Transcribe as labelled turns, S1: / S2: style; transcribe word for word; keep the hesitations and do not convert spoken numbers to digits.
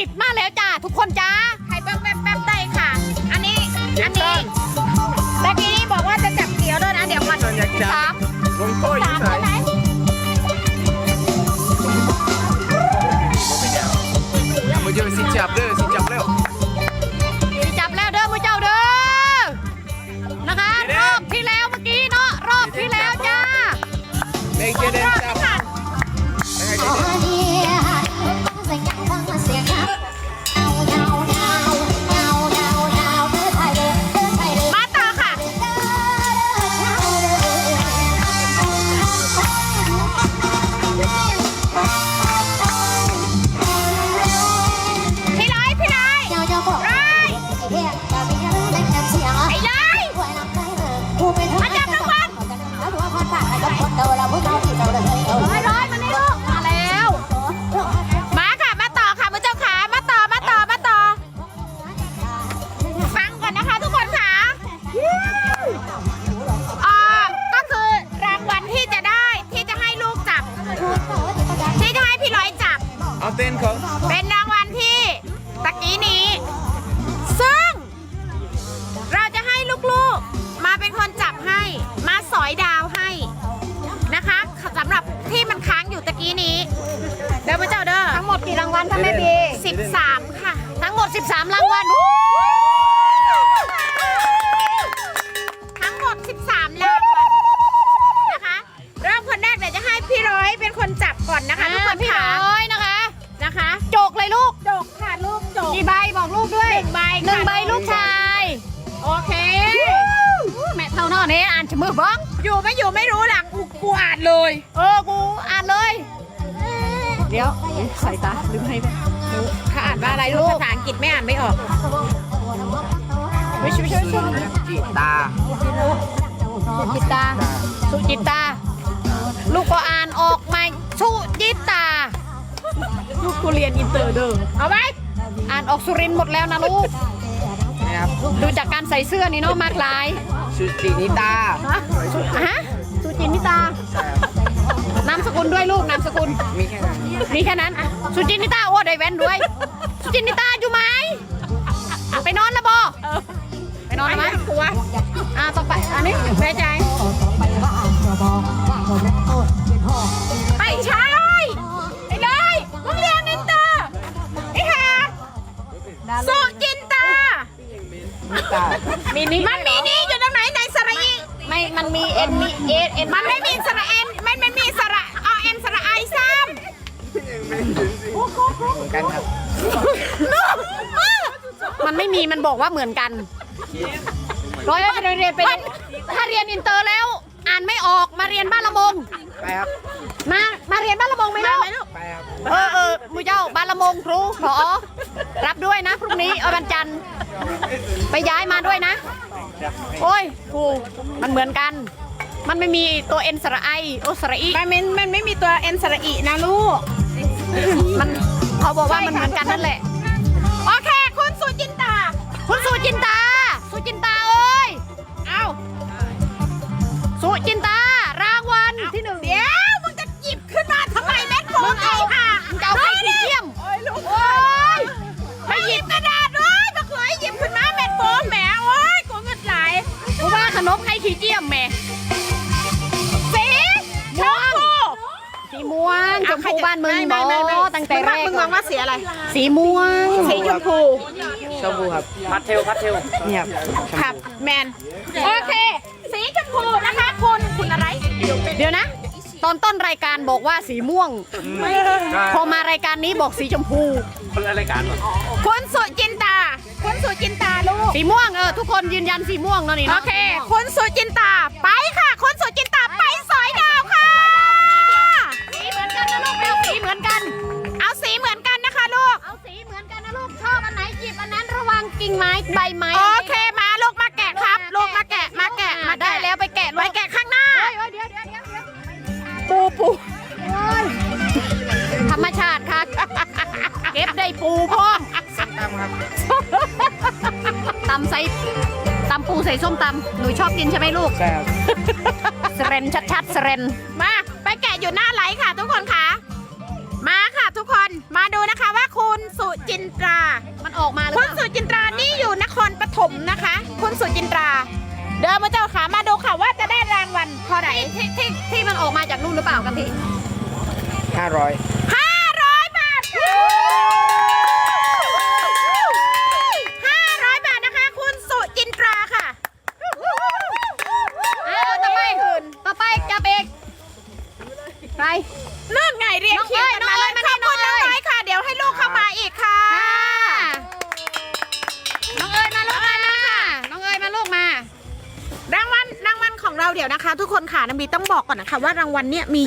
S1: มาแล้วจ้าทุกคนจ้าใครเบิ้งแป๊บๆได้ค่ะอันนี้อันนี้ตะกี้นี้บอกว่าจะจับเกี่ยวด้วยนะเดี๋ยวมันสาม
S2: ลงโต้ย
S1: สามใช่ไหม
S2: มาเจอสิจับเด้อสิจับเร็ว
S1: จับแล้วเด้อมือเจ้าเด้อนะคะรอบที่แล้วเมื่อกี้เนาะรอบที่แล้วจ้า
S2: เด็กเจเดนจับ
S1: มาต่อค่ะพี่ร้อยพี่ร้อยร้อยไอ้ร้อยมาจับรางวัลร้อยร้อยมานี่ลูกมาแล้วมาค่ะมาต่อค่ะมือเจ้าขามาต่อมาต่อมาต่อฟังก่อนนะคะทุกคนค่ะอ่าก็คือรางวัลที่จะได้ที่จะให้ลูกจับที่จะให้พี่ร้อยจับ
S2: เอาเต้นเขา
S1: เป็นรางวัลที่ตะกี้นี้ ซึ่งเราจะให้ลูกๆมาเป็นคนจับให้มาสอยดาวให้นะคะสำหรับที่มันค้างอยู่ตะกี้นี้เด้อพระเจ้าเด้อทั้งหมดกี่รางวัลคะแม่บีสิบสามค่ะทั้งหมดสิบสามรางวัลทั้งหมดสิบสามรางวัลนะคะเริ่มคนแรกเดี๋ยวจะให้พี่ร้อยเป็นคนจับก่อนนะคะทุกคนพี่ร้อยนะคะนะคะจกเลยลูกจกค่ะลูกจกกี่ใบบอกลูกด้วยหนึ่งใบหนึ่งใบลูกชายโอเคแม่เท่าน้อนี้อ่านจะมือบ้องอยู่ไม่อยู่ไม่รู้หลักกูกูอ่านเลยเออกูอ่านเลยเดี๋ยวสายตาลืมให้แม่ถ้าอ่านว่าอะไรลูกภาษาอังกฤษไม่อ่านไม่ออกไม่ช่วยช่วยช่วย
S2: จิตา
S1: สุจิตาสุจิตาลูกก็อ่านออกไหมสุจิตาลูกกูเรียนอินเตอร์เด้อเอาไหมอ่านออกสุรินทร์หมดแล้วนะลูก
S2: นะครับ
S1: ดูจากการใส่เสื้อนี่เนาะมากลาย
S2: สุจินิตา
S1: ฮะฮะสุจินิตานามสกุลด้วยลูกนามสกุล
S2: มีแค่นั้น
S1: มีแค่นั้นอ่ะสุจินิตาโอ้ได้แว่นด้วยสุจินิตาอยู่ไหมไปนอนแล้วบอไปนอนแล้วไหมกลัวอ่าต่อไปอันนี้แม่ใจไปใช่ไปเลยมึงเรียนอินเตอร์ไอ้ห่าสุจินตา
S2: นิตา
S1: มีนี่มันมีนี่อยู่ตรงไหนในสระอีไม่มันมีเอ็นมีเอเอ็นมันไม่มีสระเอ็นไม่ไม่มีสระอเอ็นสระไอซ้
S2: เหมือนกันครับ
S1: ำมันไม่มีมันบอกว่าเหมือนกันร้อยไปเรียนไปเรียนถ้าเรียนอินเตอร์แล้ว อ่านไม่ออกมาเรียนบ้านละมง
S2: ไปครับ
S1: มามาเรียนบ้านละมงไหมลูก
S2: ไปครับ
S1: เออเออมือเจ้าบ้านละมงครูผอรับด้วยนะพรุ่งนี้เอาวันจันทร์ไปย้ายมาด้วยนะ โอ้ยครูมันเหมือนกัน มันไม่มีตัวเอ็นสระไอโอสระอีมันไม่มันไม่มีตัวเอ็นสระอีนะลูกมันเขาบอกว่ามันเหมือนกันนั่นแหละโอเคคุณสุจินตาคุณสุจินตาสุจินตาเอ้ยเอาสุจินตารางวัลที่หนึ่งเดี๋ยวมึงจะหยิบขึ้นมาทำไมแม่โกงไอ้ค่ะมึงจะเอาไปขี้เกียมโอ้ยลูกโอ้ยไม่หยิบกระดาษเลยมาเคยหยิบขึ้นมาแม่โกงแหมโอ้ยโกงเงินไหลกูว่าขนมให้ขี้เกียมแม่สีม่วงสีม่วงชมพูบ้านมึงบอตั้งแต่แรกมึงมองว่าสีอะไรสีม่วงสีชมพู
S2: ชมพูครับพัดเทลพัดเทลเนี่ยครับ
S1: ครับแมนโอเคสีชมพูนะคะคุณคุณอะไรเดี๋ยวนะ ตอนต้นรายการบอกว่าสีม่วงพอมารายการนี้บอกสีชมพู
S2: คนละรายการเหรอ
S1: คุณสุจินตาคุณสุจินตาลูกสีม่วงเออทุกคนยืนยันสีม่วงเนาะนี่โอเคคุณสุจินตาไปค่ะคุณสุจินตาไปสอยดาวค่ะสีเหมือนกันนะลูกเอาสีเหมือนกัน เอาสีเหมือนกันนะคะลูกเอาสีเหมือนกันนะลูกชอบอันไหนหยิบอันนั้นระวังกิ่งไม้ใบไม้โอเคมาลูกมาแกะครับลูกมาแกะมาแกะมาได้แล้วไปแกะไปแกะข้างหน้าเดี๋ยวเดี๋ยวเดี๋ยวปูปูธรรมชาติค่ะเก็บได้ปูพ่อ
S2: ตามครับ
S1: ตำใส่ตำปูใส่ส้มตำหนูชอบกินใช่ไหมลูก
S2: ใช่ครับ
S1: สเรนชัดๆสเรนมาไปแกะอยู่หน้าไลฟ์ค่ะทุกคนค่ะ
S3: มาค่ะทุกคนมาดูนะคะว่าคุณสุจินตรา
S1: มันออกมาหรือ
S3: คุ
S1: เป
S3: ณ
S1: ล่า
S3: สุจินตรานี่อยู่นครปฐมนะคะ คุณสุจินตรา เดินมาเจ้าขามาดูค่ะว่าจะได้รางวัลเท่าไหร่
S1: ที่ที่ที่มันออกมาจากนู่นหรือเปล่ากะทิ
S2: ห้าร้อย
S3: ห้าร้อยบาทค่ะห้าร้อยบาทนะคะ คุณสุจินตราค่ะ
S1: อ้าวต่อไปต่อไปจับเอกใคร
S3: นั่นไงเรียก
S1: น้อง
S3: เขียนกันมาเลย
S1: เอ้ย
S3: ขอบคุณ
S1: น้
S3: น้
S1: อ
S3: อง ง
S1: เอ้ย
S3: น้อยค่ะ เดี๋ยวให้ลูกเข้ามาอีกค่ะ
S1: น้องเอ๋ยมาลูกมาน้องเอ๋ยมาลูกมา
S3: รางวัลรางวัลของเราเดี๋ยวนะคะ ทุกคนค่ะน้ำบีต้องบอกก่อนนะคะว่ารางวัลเนี่ยมี